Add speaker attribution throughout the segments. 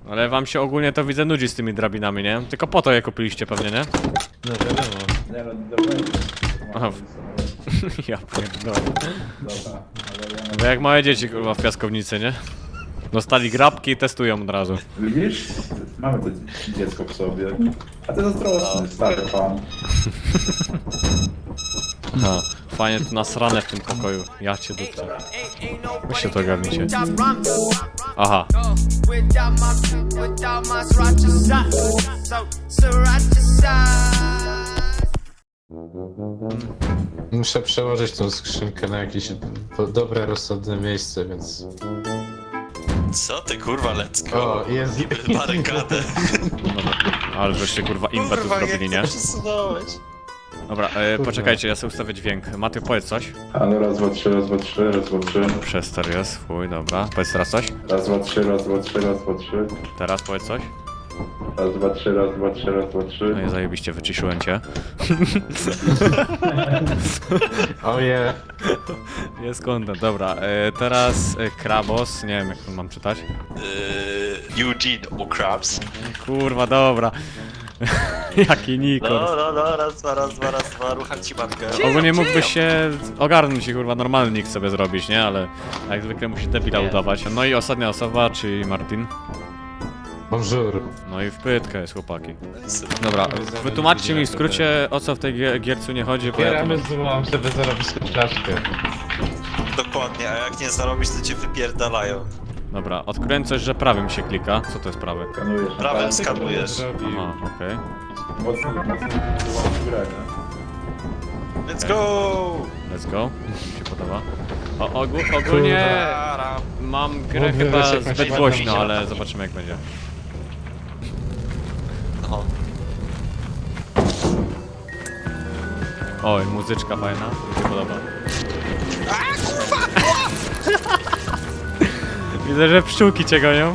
Speaker 1: Ale wam się ogólnie to widzę nudzi z tymi drabinami, nie? Tylko po to je kupiliście pewnie, nie?
Speaker 2: No wiadomo.
Speaker 3: Nie no, dobra.
Speaker 1: Aha. Ja pierdolę.
Speaker 3: Dobra, ale ja
Speaker 1: To jak małe dzieci kurwa w piaskownicy, nie? Dostali grabki i testują od razu.
Speaker 3: Widzisz? Mamy to dziecko w sobie. A ty zazdrosny, stary pan.
Speaker 1: Ha, fajnie tu nasrane w tym pokoju. Ja cię dupcę. Weźcie to ogarnijcie. Aha.
Speaker 2: Muszę przełożyć tą skrzynkę na jakieś dobre, rozsądne miejsce, więc...
Speaker 4: Co ty kurwa, let's go.
Speaker 2: O, jest...
Speaker 4: Barykadę.
Speaker 1: Ale żeście kurwa imbę tu zrobili, nie?
Speaker 4: przesunąłeś?
Speaker 1: Dobra, poczekajcie, ja sobie ustawię dźwięk. Maty, powiedz coś.
Speaker 3: Ale raz, dwa, trzy, raz, dwa, trzy, raz, dwa, trzy.
Speaker 1: Przester jest, chuj, dobra. Powiedz teraz coś.
Speaker 3: Raz, dwa, trzy, raz, dwa, trzy, raz, dwa, trzy.
Speaker 1: Teraz powiedz coś.
Speaker 3: Raz, dwa, trzy, raz, dwa, trzy, raz, dwa, trzy.
Speaker 1: No i zajebiście, wyciszyłem cię.
Speaker 2: Oje.
Speaker 1: Jest content, dobra. Teraz Krabos, nie wiem jak to mam czytać.
Speaker 4: Eugene O'Krabs.
Speaker 1: Kurwa, dobra. Jaki Nikon.
Speaker 4: No, raz, dwa, rucham ci babkę.
Speaker 1: Ogólnie mógłbyś się ogarnąć i kurwa normalny nick sobie zrobić, nie? Ale jak zwykle musi debila udawać. No i ostatnia osoba, czyli Martin.
Speaker 2: Bonjour.
Speaker 1: No i w pytkę jest chłopaki. Dobra, wytłumaczcie mi w skrócie o co w tej giercu nie chodzi, bo ja
Speaker 2: Bieramy
Speaker 1: to...
Speaker 2: złom, żeby zarobić czaszkę.
Speaker 4: Dokładnie, a jak nie zarobisz, to cię wypierdalają.
Speaker 1: Dobra, odkryłem coś, że prawym się klika. Co to jest prawy?
Speaker 3: Skanujesz. na
Speaker 4: Prawym
Speaker 3: palec.
Speaker 4: skanujesz.
Speaker 1: Aha, okej.
Speaker 3: Mocno, mocno wywołam grę, nie?
Speaker 4: Let's go!
Speaker 1: Let's go. Mi się podoba. Ogólnie mam grę
Speaker 2: Mógłby
Speaker 1: chyba
Speaker 2: być jakąś
Speaker 1: zbyt
Speaker 2: ładną
Speaker 1: głośno,
Speaker 4: wizję.
Speaker 1: ale zobaczymy jak będzie.
Speaker 4: No.
Speaker 1: Oj, muzyczka fajna, mi się podoba. Widzę, że pszczółki cię gonią.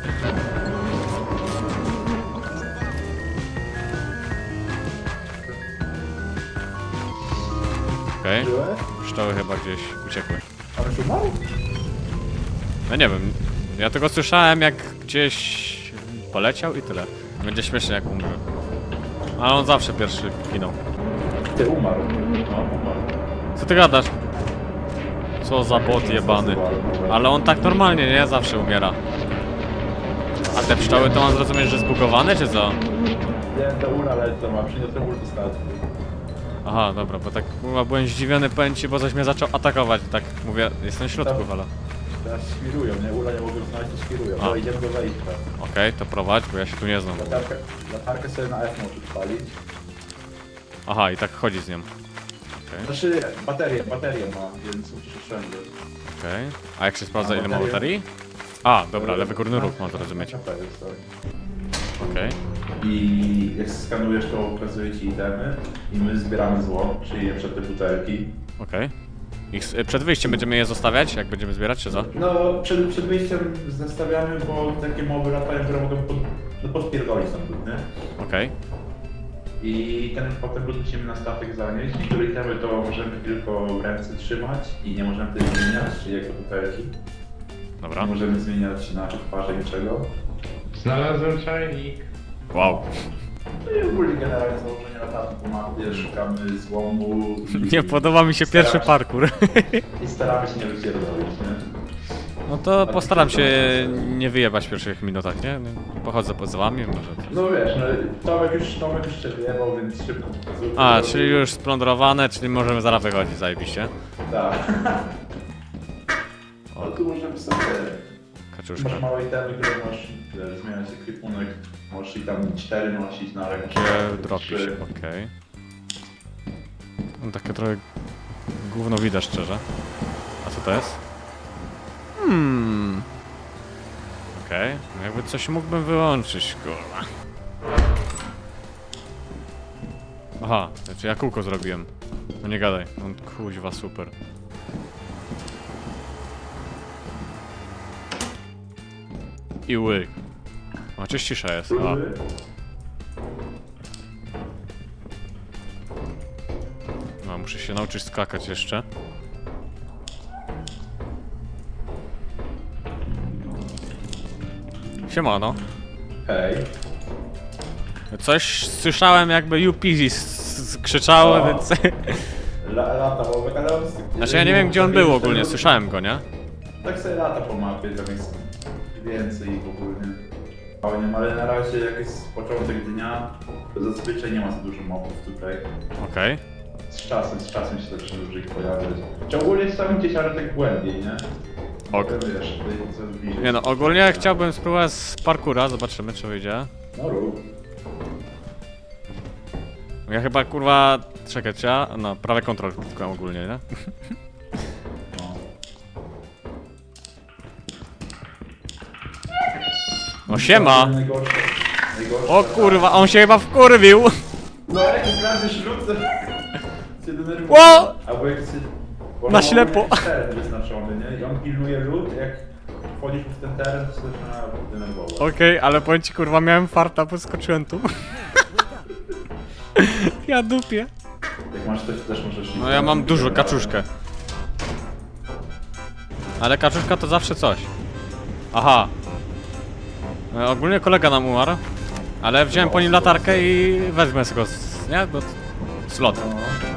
Speaker 1: Okej,
Speaker 3: Byłeś?
Speaker 1: pszczoły chyba gdzieś uciekły.
Speaker 3: Ale już umarł?
Speaker 1: No nie wiem, ja tego słyszałem jak gdzieś poleciał i tyle. Będzie śmiesznie jak umrze. Ale on zawsze pierwszy ginął.
Speaker 3: Ty umarł. No, umarł.
Speaker 1: Co ty gadasz? Co za bot jebany. Ale on tak normalnie, nie? Zawsze umiera. A te pszczoły to mam zrozumieć, że zbugowane, czy co?
Speaker 3: Nie, to ura lecą, a przyniosłem ul do statku.
Speaker 1: Aha, dobra, bo tak kurwa byłem zdziwiony, powiem ci, bo coś mnie zaczął atakować. Tak mówię, jestem w środku, ale...
Speaker 3: Teraz świrują, nie? Ula nie mogą znaleźć i świrują.
Speaker 1: A.
Speaker 3: No idziemy do wejścia.
Speaker 1: Okej, to prowadź, bo ja się tu nie znam.
Speaker 3: Latarkę sobie na F możesz odpalić.
Speaker 1: Aha, i tak chodzi z nią. Okej,
Speaker 3: Znaczy, baterię ma, więc musisz oszczędzić.
Speaker 1: okej. A jak się sprawdza, ile ma baterii? A, dobra, lewy górny róg mam zrozumieć. Okej.
Speaker 3: I jak skanujesz, to pokazuje ci itemy i my zbieramy zło, czyli na przykład te butelki.
Speaker 1: Okej. Przed wyjściem będziemy je zostawiać, jak będziemy zbierać, czy co?
Speaker 3: No, przed wyjściem zastawiamy, bo takie moby latają, które mogą podpierdolić tam, nie?
Speaker 1: Okej.
Speaker 3: I ten potem musimy na statek zanieść. Niektóre itemy to możemy tylko w ręce trzymać i nie możemy tego zmieniać, czyli jako butelki.
Speaker 1: Dobra.
Speaker 3: Nie możemy zmieniać na twarzy niczego.
Speaker 2: Znalazłem czajnik.
Speaker 1: Wow.
Speaker 3: No i ogólnie generalnie założenie latarki po mapie, szukamy złomu.
Speaker 1: Nie podoba mi się pierwszy parkour.
Speaker 3: I staramy się nie wypierdolić, nie?
Speaker 1: No to postaram się nie wyjebać w pierwszych minutach, nie? Pochodzę poza wami, może...
Speaker 3: No wiesz, no, Tomek już cię wyjebał, więc szybko pokazuję.
Speaker 1: A, czyli już splądrowane, czyli możemy zaraz wychodzić, zajebiście.
Speaker 3: Tak. O, tu możemy sobie...
Speaker 1: Kaczuszka.
Speaker 3: Masz małe itemy, które możesz zmieniać ekwipunek. Możesz i tam 4 nosić na rękę.
Speaker 1: Gdzie dropi się, okej. No takie trochę gówno widać szczerze. A co to jest? Okej, no jakby coś mógłbym wyłączyć, kurwa. Aha, znaczy ja kółko zrobiłem. No nie gadaj, on kuźwa super. I łyk. O, czy cisza jest? A. No, muszę się nauczyć skakać jeszcze. Siemano.
Speaker 3: Hej.
Speaker 1: Coś słyszałem jakby UP krzyczały,
Speaker 3: O.
Speaker 1: więc...
Speaker 3: Lata, ale on...
Speaker 1: Znaczy ja nie wiem gdzie on był ogólnie, słyszałem go, nie?
Speaker 3: Tak sobie lata po mapie, tam jest więcej ogólnie. Ale na razie jak jest początek dnia, to zazwyczaj nie ma za dużo mobów tutaj.
Speaker 1: Okej.
Speaker 3: Z czasem się zaczyna dużo ich pojawiać. Czy ogólnie jest tam gdzieś, ale tak głębiej, nie?
Speaker 1: Ok.
Speaker 3: Wiesz, tutaj coraz bliżej.
Speaker 1: Nie no, ogólnie chciałbym spróbować z parkoura, zobaczymy czy wyjdzie.
Speaker 3: No rób.
Speaker 1: Ja chyba kurwa... Czekaj, czy ja... No, prawie kontrol klikłem ogólnie, nie?
Speaker 3: No.
Speaker 1: O siema!
Speaker 3: Najgorsze.
Speaker 1: O kurwa, on się chyba wkurwił!
Speaker 3: No jak ukradniesz lód, to się denerwuje.
Speaker 1: Ło!
Speaker 3: Albo jak się... bo
Speaker 1: Na
Speaker 3: on ma
Speaker 1: ślepo.
Speaker 3: jakiś teren wyznaczony, nie? I on pilnuje lód, jak wchodzisz w ten teren, to się zaczyna denerwować.
Speaker 1: Okej, ale powiem ci kurwa, miałem farta, bo skoczyłem tu. Ja dupię.
Speaker 3: Jak masz coś, to też możesz...
Speaker 1: No ja mam dużo, kaczuszkę. Ale kaczuszka to zawsze coś. Aha. Ogólnie kolega nam umarł. Ale wziąłem po nim latarkę i wezmę sobie go, nie? Bo slot.
Speaker 3: No.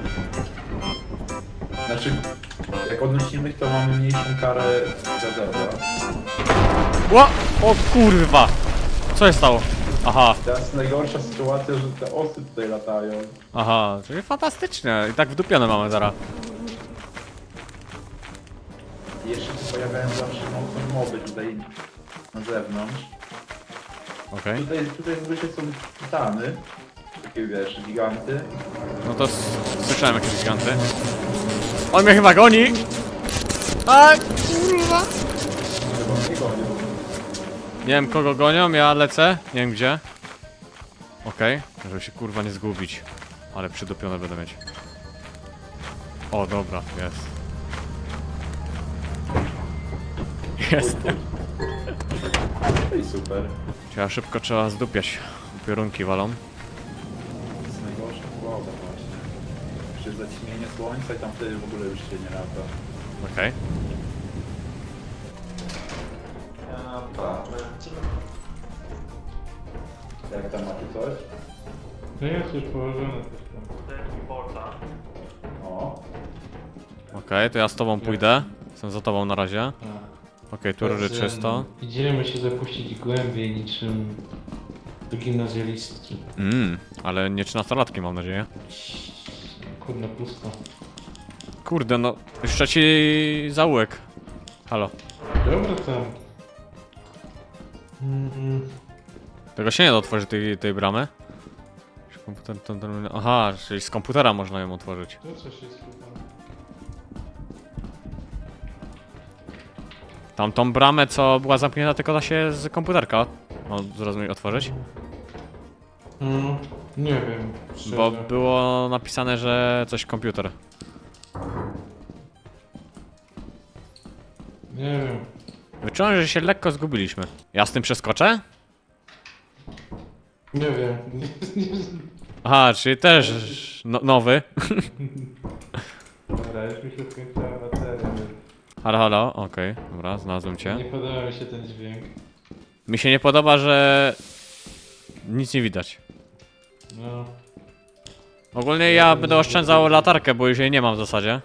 Speaker 3: Znaczy, jak odnosimy, to mamy mniejszą karę za zebra.
Speaker 1: Ło! O kurwa! Co się stało? Aha,
Speaker 3: Teraz najgorsza sytuacja, że te osy tutaj latają.
Speaker 1: aha, czyli fantastycznie. I tak wdupione mamy zaraz.
Speaker 3: I jeszcze się pojawiają zawsze mocno moby tutaj na zewnątrz.
Speaker 1: Okej.
Speaker 3: Tutaj zwykle są tytany. Takie wiesz, giganty.
Speaker 1: No to słyszałem jakieś giganty. On mnie chyba goni! A kurwa!
Speaker 3: Chyba nie gonią.
Speaker 1: Nie wiem kogo gonią, ja lecę. Nie wiem gdzie. Okej, żeby się kurwa nie zgubić. Ale przydupione będę mieć. O dobra, jest. Jest.
Speaker 3: No i super.
Speaker 1: Szybko trzeba zdupiać. Piorunki walą.
Speaker 3: To jest najgorsza pogoda właśnie. Przy zaćmienie słońca i tam wtedy w ogóle już się nie lata.
Speaker 1: Okej.
Speaker 3: Jak tam macie coś?
Speaker 5: No jest już położone coś tam.
Speaker 3: O.
Speaker 1: Okej, to ja z tobą pójdę. Jestem za tobą na razie.
Speaker 5: A.
Speaker 1: Okej, tu róży czysto.
Speaker 5: Idziemy się zapuścić głębiej niczym do gimnazjalistki.
Speaker 1: Ale nie 13-latki mam nadzieję.
Speaker 5: Kurna pusto.
Speaker 1: Kurde, no już trzeci zaułek. Halo.
Speaker 5: Dobra tam.
Speaker 1: Tego się nie da otworzyć tej bramy. Komputer, aha, czyli z komputera można ją otworzyć.
Speaker 5: To coś jest chyba.
Speaker 1: Tamtą bramę, co była zamknięta, tylko da się z komputerka zrozumieć, otworzyć.
Speaker 5: Nie wiem. Szczerze.
Speaker 1: Bo było napisane, że coś komputer.
Speaker 5: Nie wiem.
Speaker 1: Wyczułem, że się lekko zgubiliśmy. Ja z tym przeskoczę?
Speaker 5: Nie wiem.
Speaker 1: Aha, czyli też nowy.
Speaker 5: Dobra, już mi się skończyła bateria.
Speaker 1: Halo, halo, okej, dobra, znalazłem cię.
Speaker 5: Nie podoba mi się ten dźwięk.
Speaker 1: Mi się nie podoba, że nic nie widać.
Speaker 5: No.
Speaker 1: Ogólnie ja będę oszczędzał latarkę, bo już jej nie mam w zasadzie.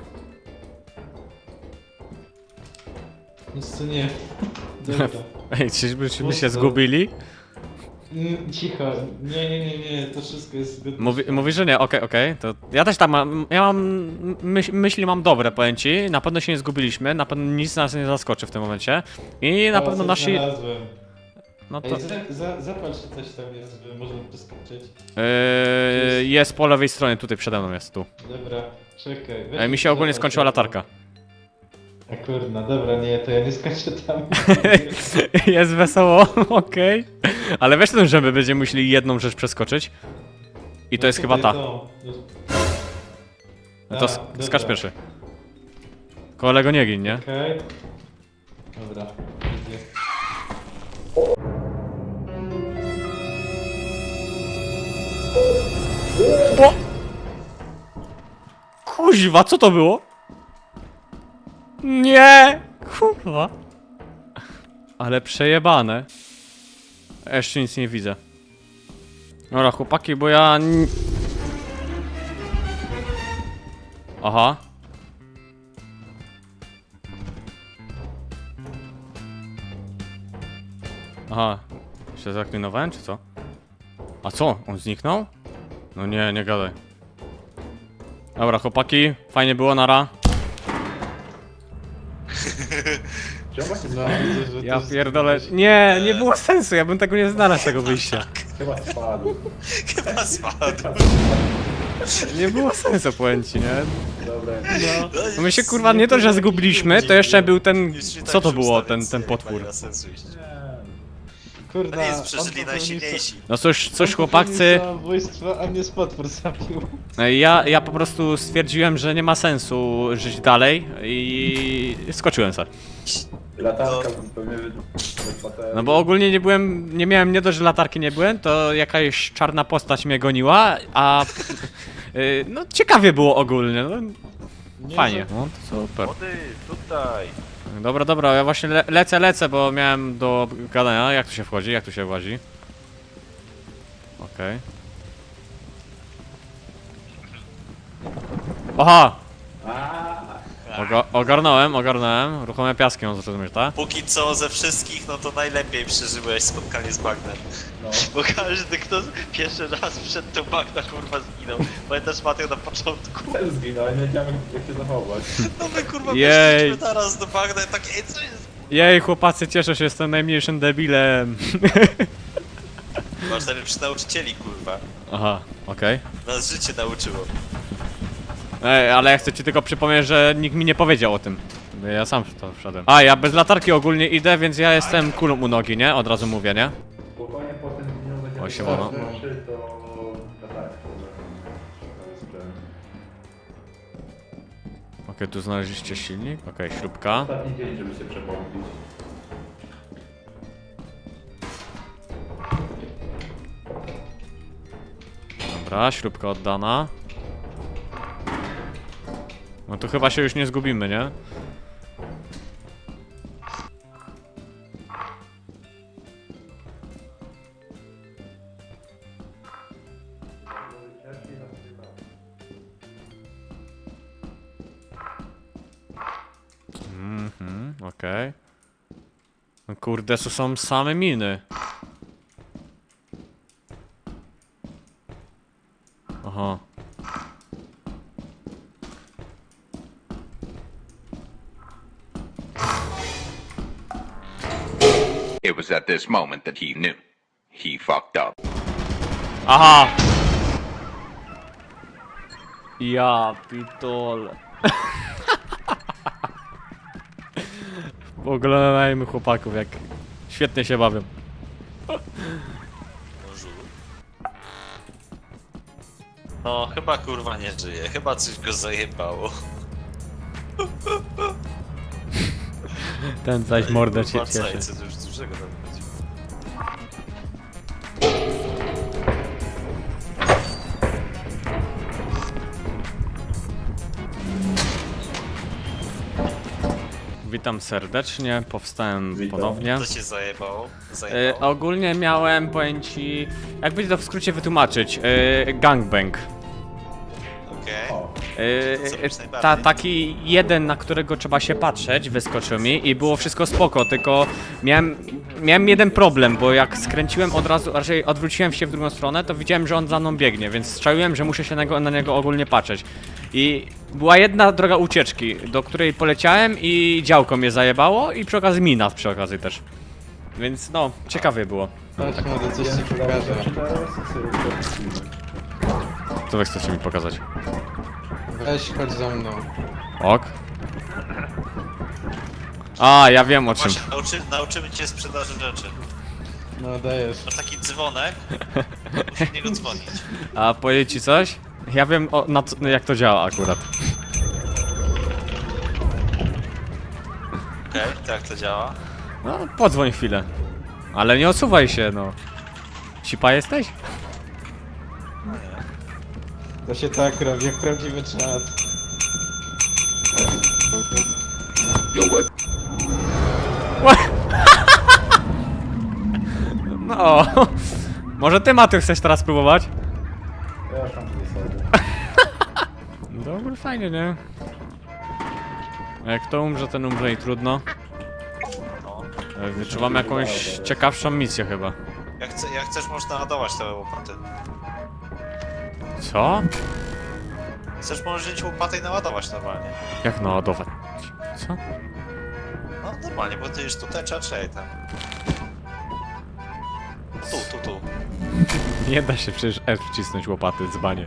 Speaker 5: Nic to nie. Dobra.
Speaker 1: Ej, czyżbyśmy się zgubili?
Speaker 5: Cicho. Nie. To wszystko jest zgodne.
Speaker 1: Mówi, że nie, okej. To ja też tam mam, ja mam, myśli mam dobre, powiem ci. Na pewno się nie zgubiliśmy, na pewno nic nas nie zaskoczy w tym momencie. I na
Speaker 5: O,
Speaker 1: pewno
Speaker 5: coś
Speaker 1: nasi...
Speaker 5: znalazłem.
Speaker 1: No to...
Speaker 5: Ej, zapal, czy coś tam jest, żeby można przeskoczyć.
Speaker 1: Jest po lewej stronie, tutaj przede mną jest, tu.
Speaker 5: Dobra, czekaj. weź
Speaker 1: Mi się ogólnie
Speaker 5: zapal
Speaker 1: skończyła
Speaker 5: światło.
Speaker 1: latarka.
Speaker 5: A kurna, dobra, nie, to ja nie skończę tam.
Speaker 1: Jest wesoło, okej. Ale wiesz tym, że my będziemy musieli jedną rzecz przeskoczyć. I to jest chyba ta. No to skacz pierwszy. Kolego nie gin, nie?
Speaker 5: Okej. Dobra, idzie.
Speaker 1: O! Kuźwa, co to było? Nie! Kurwa. Ale przejebane. Jeszcze nic nie widzę. Dobra, chłopaki, bo ja... Aha. Aha. Się zaklinowałem, czy co? A co? On zniknął? No nie, nie gadaj. Dobra, chłopaki, fajnie było, nara.
Speaker 3: Czemu właśnie
Speaker 5: No, widzę, że
Speaker 1: Ja
Speaker 5: to
Speaker 1: pierdolę. Nie, nie było sensu, ja bym tego nie znalazł, tego wyjścia.
Speaker 3: chyba spadł?
Speaker 4: Chyba spadł.
Speaker 1: Nie było sensu, powiem ci, nie?
Speaker 3: Dobra.
Speaker 1: No my się kurwa nie to, że zgubiliśmy, to jeszcze był ten...
Speaker 4: Już i tak
Speaker 1: Co to
Speaker 4: szósta,
Speaker 1: było,
Speaker 4: więc
Speaker 1: ten
Speaker 4: nie
Speaker 1: potwór?
Speaker 4: ma sensu iść.
Speaker 5: Kurna,
Speaker 4: To nie jest
Speaker 5: on
Speaker 4: przeżyli
Speaker 5: popełnił
Speaker 4: najsilniejsi.
Speaker 1: No coś
Speaker 5: on
Speaker 1: chłopakcy...
Speaker 5: popełnił samobójstwo, a mnie z potwór zabił.
Speaker 1: Ja po prostu stwierdziłem, że nie ma sensu żyć dalej i skoczyłem sobie.
Speaker 3: Latarka zupełnie bez baterii.
Speaker 1: No bo ogólnie nie miałem nie dość, że latarki nie byłem, to jakaś czarna postać mnie goniła, a... no ciekawie było ogólnie, no
Speaker 5: Nie
Speaker 1: fajnie. No to super.
Speaker 4: Młody, tutaj.
Speaker 1: Dobra, ja właśnie lecę, bo miałem do gadania. Jak tu się wchodzi, jak tu się włazi? Okej. Aha! Ogarnąłem. Ruchome piaski mam zrozumieć, tak?
Speaker 4: Póki co ze wszystkich, no to najlepiej przeżyłeś spotkanie z bagnem.
Speaker 3: No.
Speaker 4: Bo każdy, kto pierwszy raz wszedł do bagna, kurwa zginął. Pamiętasz, Mateo, na początku?
Speaker 3: Też zginął, ale nie wiedziałem jak się zachować.
Speaker 4: No my kurwa
Speaker 1: Jej.
Speaker 4: weszliśmy naraz do bagna i tak, ej, co jest?
Speaker 1: Jej, chłopacy, cieszę się, jestem najmniejszym debilem.
Speaker 4: Masz najlepszych nauczycieli, kurwa.
Speaker 1: Aha, okej.
Speaker 4: Nas życie nauczyło.
Speaker 1: Ej, ale ja chcę ci tylko przypomnieć, że nikt mi nie powiedział o tym. Ja sam w to wszedłem. A, ja bez latarki ogólnie idę, więc ja jestem kulą u nogi, nie? Od razu mówię, nie?
Speaker 3: Spokojnie po tym dniu będzie
Speaker 1: Oj, siemano.
Speaker 3: lepszy, to latarka.
Speaker 1: Okej, tu znaleźliście silnik. Okej, śrubka.
Speaker 3: Ostatni dzień, żeby się przepomnieć.
Speaker 1: Dobra, śrubka oddana. No to chyba się już nie zgubimy, nie? Okej. No kurde, to są same miny. Aha.
Speaker 6: It was at this moment that he knew. He fucked up.
Speaker 1: Aha! Ja pitole. Oglądajmy chłopaków, jak świetnie się bawią.
Speaker 4: Może. No, chyba kurwa nie żyje. Chyba coś go zajebało.
Speaker 1: Ten zaś mordę cię
Speaker 4: Kurwa,
Speaker 1: cieszy.
Speaker 4: co to już dużego tam będzie.
Speaker 1: Witam serdecznie, powstałem
Speaker 3: Witam.
Speaker 1: ponownie.
Speaker 4: Co się zajebało?
Speaker 1: Ogólnie miałem, powiem ci, jakby to w skrócie wytłumaczyć, gangbang.
Speaker 4: Okej.
Speaker 3: O,
Speaker 4: Co lubisz najbardziej?
Speaker 1: Taki jeden, na którego trzeba się patrzeć, wyskoczył mi i było wszystko spoko, tylko miałem jeden problem, bo jak skręciłem od razu, raczej odwróciłem się w drugą stronę, to widziałem, że on za mną biegnie, więc strzeliłem, że muszę się na niego ogólnie patrzeć. I była jedna droga ucieczki, do której poleciałem i działko mnie zajebało i przy okazji mina przy okazji też. Więc no, ciekawie było.
Speaker 5: Chodź młody, coś ci
Speaker 3: wiem, czy
Speaker 5: pokażę.
Speaker 3: czy teraz sobie przepomnimy.
Speaker 1: Co wy chcecie mi pokazać?
Speaker 5: Weź, chodź za mną.
Speaker 1: Ok. A, ja wiem o czym.
Speaker 4: Właśnie, nauczymy cię sprzedaży rzeczy.
Speaker 5: No dajesz.
Speaker 4: Masz taki dzwonek, musisz w niego dzwonić.
Speaker 1: A powiedzieć ci coś? Ja wiem jak to działa akurat.
Speaker 4: Okej, to jak to działa?
Speaker 1: No, podzwoń chwilę. Ale nie odsuwaj się, no. Cipa jesteś?
Speaker 5: To się tak robi, jak prawdziwy czat.
Speaker 1: No O! Może ty, Mateusz, chcesz teraz spróbować?
Speaker 3: Ja już mam to sobie.
Speaker 1: Dobra, fajnie, nie? A jak to umrze, ten umrze i trudno.
Speaker 4: No.
Speaker 1: Wyczuwam jakąś ciekawszą misję chyba.
Speaker 4: Jak chcesz, można ładować te łopaty.
Speaker 1: Co?
Speaker 4: Chcesz, możesz wziąć łopatę i naładować normalnie.
Speaker 1: Jak naładować? Co?
Speaker 4: No normalnie, bo ty już tutaj trzeba tam. Tu.
Speaker 1: Nie da się przecież F wcisnąć łopaty, dzbanie.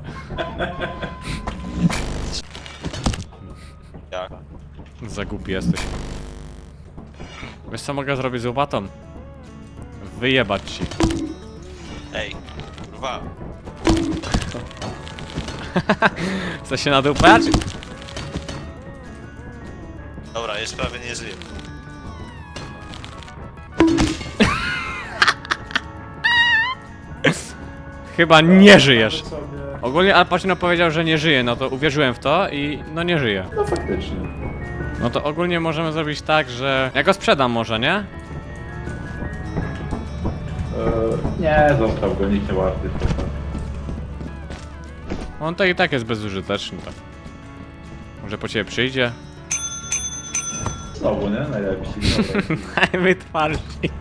Speaker 4: Jak?
Speaker 1: Za głupi jesteś. Wiesz co mogę zrobić z łopatą? Wyjebać ci.
Speaker 4: Ej, kurwa.
Speaker 1: Chce się nadupać?
Speaker 4: Dobra, jeszcze prawie nie żyję.
Speaker 1: Chyba nie żyjesz.
Speaker 3: Sobie...
Speaker 1: Ogólnie Al Pacino powiedział, że nie żyje, no to uwierzyłem w to i no nie żyje.
Speaker 3: No faktycznie.
Speaker 1: No to ogólnie możemy zrobić tak, że... Ja go sprzedam może, nie?
Speaker 3: Nie, zostaw go, nikt nie warty.
Speaker 1: On to i tak jest bezużyteczny, tak. Może po ciebie przyjdzie?
Speaker 3: Znowu, nie? Najlepsi.
Speaker 1: Wytwarci.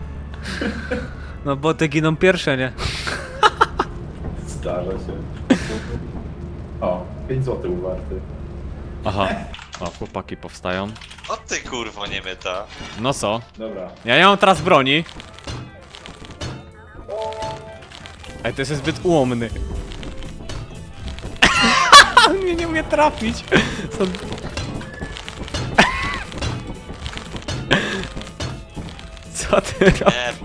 Speaker 1: No bo te giną pierwsze, nie?
Speaker 3: Zdarza się. O, 5 zł był warty.
Speaker 1: Aha. O, chłopaki powstają.
Speaker 4: O ty kurwo nie myta.
Speaker 1: No co?
Speaker 3: Dobra.
Speaker 1: Ja nie mam teraz broni. Ej, to jest zbyt ułomny. On mnie nie umie trafić. Co... Co ty robisz?
Speaker 4: Nie.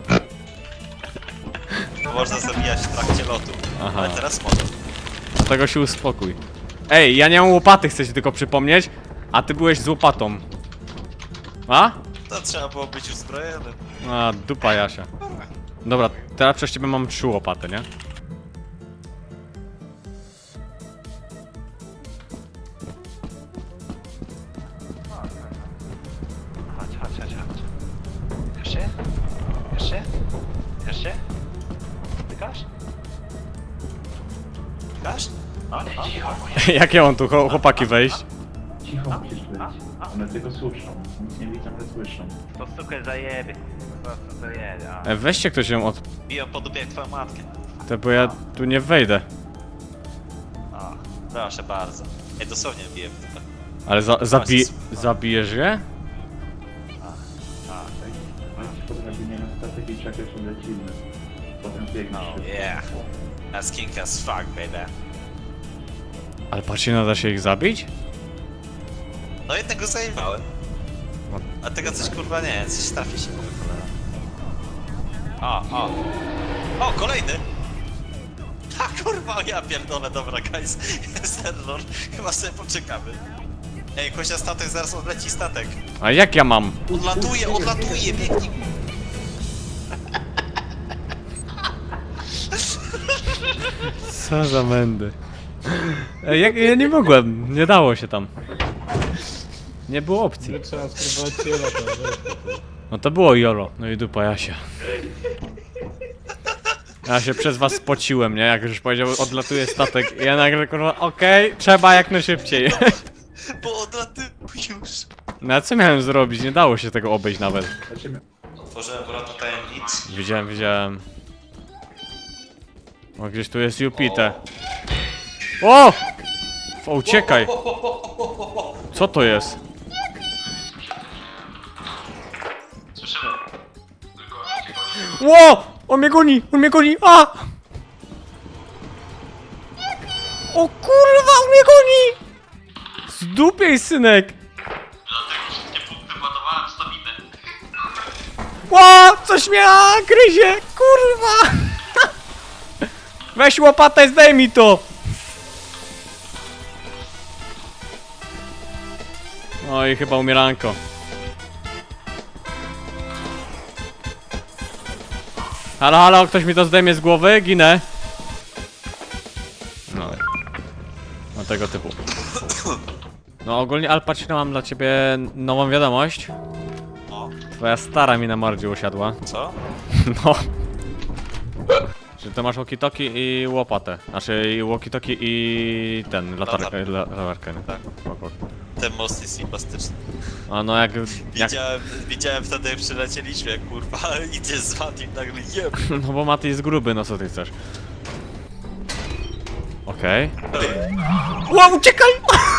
Speaker 4: Można zabijać w trakcie lotu.
Speaker 1: Aha.
Speaker 4: Ale teraz może.
Speaker 1: Dlatego się uspokój. Ej, ja nie mam łopaty, chcę ci tylko przypomnieć. A ty byłeś z łopatą. A?
Speaker 4: To trzeba było być uzbrojonym.
Speaker 1: A, dupa Jasia. Dobra, teraz przez ciebie mam 3 łopaty, nie?
Speaker 4: Chodź. Jeszcze? Tykasz? No.
Speaker 1: Jak ja mam tu chłopaki wejść?
Speaker 3: Cicho musisz być. One tylko słyszą. Nic nie widzą, ale słyszą.
Speaker 4: To sukę zajebie. Po prostu zajebie.
Speaker 1: Weźcie ktoś ją od...
Speaker 4: Biją po dupie jak twoją matkę.
Speaker 1: Te, bo ja tu nie wejdę.
Speaker 4: O, proszę bardzo. Ej, dosłownie biję w dupę.
Speaker 1: Ale zabijesz je?
Speaker 3: Oni się podrobimy na statek i czekać, że lecimy. Potem biegną
Speaker 4: Oh
Speaker 3: szybko.
Speaker 4: yeah. That's king as fuck, baby.
Speaker 1: Ale patrzcie, da się ich zabić?
Speaker 4: No jednego zajebałem. A tego coś kurwa nie, coś trafi się mówi cholera. O, kolejny! Ha kurwa, ja pierdolę, dobra guys. Jest error, chyba sobie poczekamy. Ej, Kosia, statek, zaraz odleci statek.
Speaker 1: A jak ja mam?
Speaker 4: Odlatuje, biegnij.
Speaker 1: Co za mędy. Ej, ja nie mogłem, nie dało się tam. Nie było opcji.
Speaker 2: Trzeba spróbować Jolo to
Speaker 1: No to było Jolo. No i dupa Jasia. Ja się przez was spociłem, nie? Jak już powiedział, odlatuje statek. I ja nagle kurwa, okej, trzeba jak najszybciej.
Speaker 4: Bo odlatuje już.
Speaker 1: No a co miałem zrobić? Nie dało się tego obejść nawet.
Speaker 3: Lecimy.
Speaker 4: Otworzyłem wrota tajemnic.
Speaker 1: Widziałem. O, gdzieś tu jest Jupiter. O! Uciekaj! Co to jest?
Speaker 4: Słyszymy.
Speaker 1: Ło! On mnie goni! A! O kurwa, on mnie goni! Zdupiej, synek!
Speaker 4: Dlatego wszystkie punkty władowałem stabilne.
Speaker 1: Ło! Coś mnie gryzie! Kurwa! Weź łopatę, zdejmij to! Oj, chyba umieranko. Halo, ktoś mi to zdejmie z głowy? Ginę. No. No tego typu. No ogólnie Al Pacino, mam dla ciebie nową wiadomość.
Speaker 4: O,
Speaker 1: Twoja stara mi na mordzie usiadła.
Speaker 4: co?
Speaker 1: No. Czy to masz walkie-talkie i łopatę? Znaczy i walkie-talkie i ten, latarkę, latarkę, nie?
Speaker 4: Tak.
Speaker 1: Spoko.
Speaker 4: Ten most jest imbastyczny.
Speaker 1: A no jak...
Speaker 4: Widziałem wtedy jak przylecieliśmy, jak kurwa idzie z Matim nagle jeb.
Speaker 1: No bo Maty jest gruby, no co ty chcesz? Okej. Wow, uciekaj!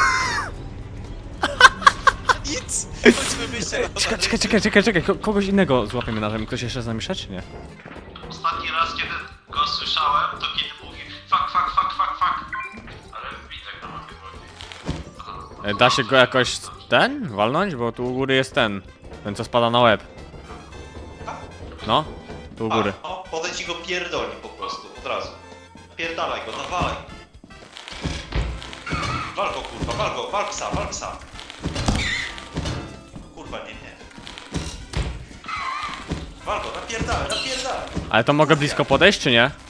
Speaker 4: Nic! Chodźmy wyjście na
Speaker 1: Czekaj, kogoś innego złapiemy na ziemi. Ktoś jeszcze z nami szedł, czy nie?
Speaker 4: Ostatni raz, kiedy go słyszałem, to kiedy mówi fuck. Ale widzę, jak na mapie chodzi.
Speaker 1: Da się go jakoś walnąć? Bo tu u góry jest ten co spada na łeb. No, tu u góry.
Speaker 4: O, podejdź i go pierdoli po prostu, od razu. Pierdalaj go, nawalaj. Wal go kurwa, wal psa. Kurwa, nie. Wal go, napierdalaj.
Speaker 1: Ale to mogę blisko podejść, czy nie?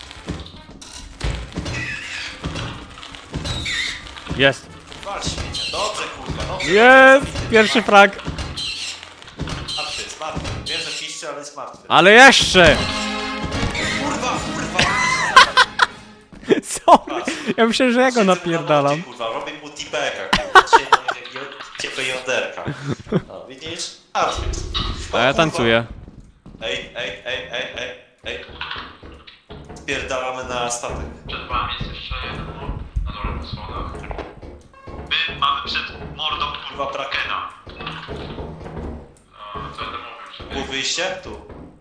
Speaker 1: Jest.
Speaker 4: Wal śmiecia, dobrze kurwa, dobrze.
Speaker 1: Jest! Pierwszy frag.
Speaker 4: Martwy jest, martwy. Wiem, że piszczy, ale jest martwy.
Speaker 1: Ale jeszcze!
Speaker 4: Kurwa!
Speaker 1: Sorry. Ja myślę, że ja go napierdalam.
Speaker 4: Kurwa, robię mu t-baga, kurwa, ciepłe jąderka. No, widzisz? Martwy jest. O,
Speaker 1: A ja
Speaker 4: kurwa.
Speaker 1: tańcuję.
Speaker 4: Ej. Spierdalamy na statek. Przed wami jest jeszcze jeden mur, na dole po schodach. My mamy przed mordą kurwa Brakena. No, co będę mówił? Było wyjście? Tu.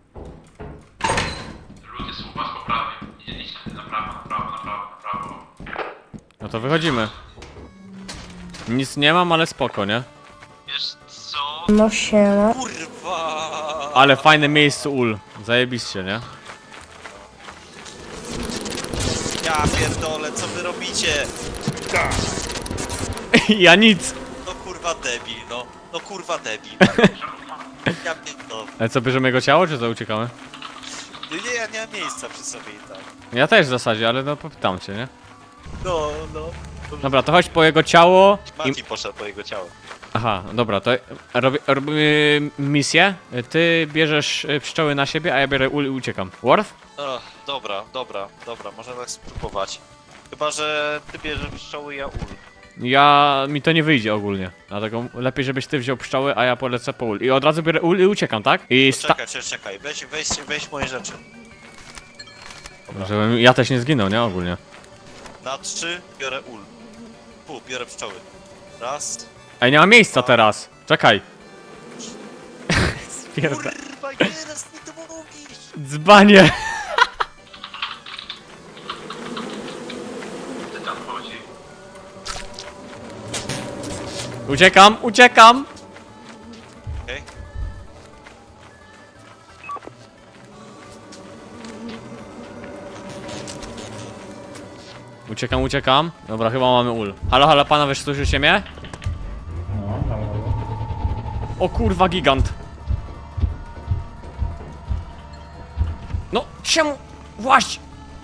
Speaker 4: Ludzie są u was po prawej. Idź na prawo.
Speaker 1: No to wychodzimy. Nic nie mam, ale spoko, nie?
Speaker 4: Wiesz co?
Speaker 7: No siema.
Speaker 4: Kurwa!
Speaker 1: Ale fajne miejsce ul. Zajebiście, nie?
Speaker 4: Ja pierdolę, co wy robicie?
Speaker 1: Ja nic.
Speaker 4: No kurwa debil, no. No kurwa debil. Ja pierdolę.
Speaker 1: Ale co, bierzemy jego ciało, czy to uciekamy?
Speaker 4: Nie, ja nie mam miejsca przy sobie i tak.
Speaker 1: Ja też w zasadzie, ale no popytam cię, nie?
Speaker 4: No.
Speaker 1: Dobra, to chodź po jego ciało i...
Speaker 4: Mati poszedł po jego ciało.
Speaker 1: Aha, dobra, to robimy misję. Ty bierzesz pszczoły na siebie, a ja biorę ul i uciekam. Worth?
Speaker 4: Dobra, można tak spróbować. Chyba, że ty bierzesz pszczoły, ja ul.
Speaker 1: Mi to nie wyjdzie ogólnie. Dlatego lepiej, żebyś ty wziął pszczoły, a ja polecę po ul. I od razu biorę ul i uciekam, tak? I
Speaker 4: Czekaj, weź moje rzeczy.
Speaker 1: Żebym ja też nie zginął, nie? Ogólnie.
Speaker 4: Na 3 biorę ul. Biorę pszczoły. Raz.
Speaker 1: Ej, nie ma miejsca teraz. Czekaj. Spierda.
Speaker 4: Kurwa, teraz mi to mówisz!
Speaker 1: Dzbanie.
Speaker 4: Ty tam chodzi.
Speaker 1: Uciekam.
Speaker 4: Okej.
Speaker 1: Uciekam. Dobra, chyba mamy ul. Halo, panowie, słyszycie mnie? O kurwa, gigant. No, czemu? Właśnie.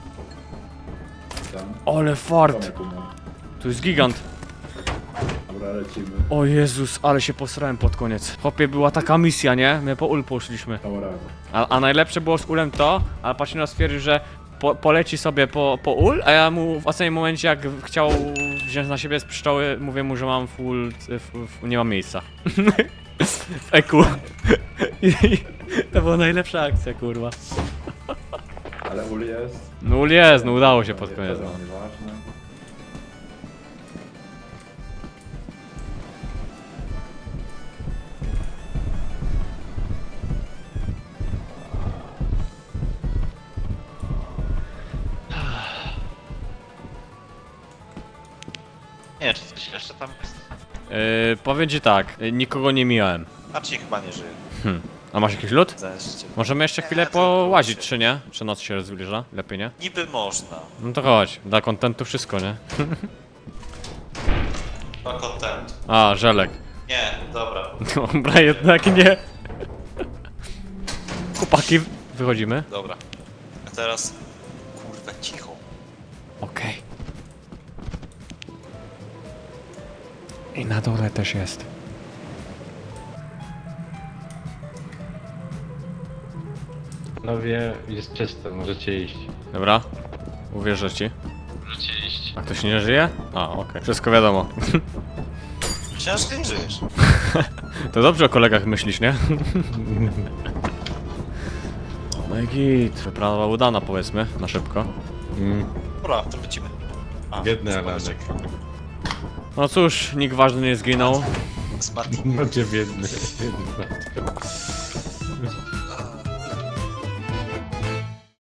Speaker 1: Ale fart. Tu jest gigant.
Speaker 3: Dobra, lecimy.
Speaker 1: O Jezus, ale się posrałem pod koniec. Chłopie, była taka misja, nie? My po ul poszliśmy. A najlepsze było z ulem to, ale Pacino stwierdził, że poleci sobie po ul, a ja mu w ostatnim momencie, jak chciał wziąć na siebie z pszczoły, mówię mu, że mam full, nie mam miejsca. W EQ. To była najlepsza akcja, kurwa.
Speaker 3: Ale ul jest.
Speaker 1: No ul jest, no udało się pod koniec. No.
Speaker 3: Nieważne.
Speaker 4: Nie, czy coś jeszcze tam jest?
Speaker 1: Powiem ci tak, nikogo nie mijałem.
Speaker 4: Marcin chyba nie żyje.
Speaker 1: A masz jakiś lód?
Speaker 4: Zależy.
Speaker 1: Możemy jeszcze chwilę
Speaker 4: to
Speaker 1: połazić,
Speaker 4: proszę.
Speaker 1: czy nie? Czy noc się zbliża? Lepiej, nie?
Speaker 4: Niby można.
Speaker 1: No to chodź, dla kontentu wszystko, nie?
Speaker 4: Dla content.
Speaker 1: A, żelek.
Speaker 4: Nie, dobra.
Speaker 1: Dobra, jednak nie. Chłopaki, wychodzimy.
Speaker 4: Dobra. A teraz... Kurwa, cicho.
Speaker 1: Okej. I na dole też jest.
Speaker 5: Panowie, jest czysto, możecie iść.
Speaker 1: Dobra, uwierzę ci.
Speaker 5: Możecie iść.
Speaker 1: A ktoś nie żyje? A, okej. Wszystko wiadomo.
Speaker 4: Myślałem, że ty nie żyjesz.
Speaker 1: To dobrze o kolegach myślisz, nie? No i git. Wyprawa udana, powiedzmy, na szybko.
Speaker 4: Dobra, to lecimy. A,
Speaker 5: Biedny Alanek.
Speaker 1: No cóż, nikt ważny nie zginął.
Speaker 4: Smart.
Speaker 5: Macie biedny.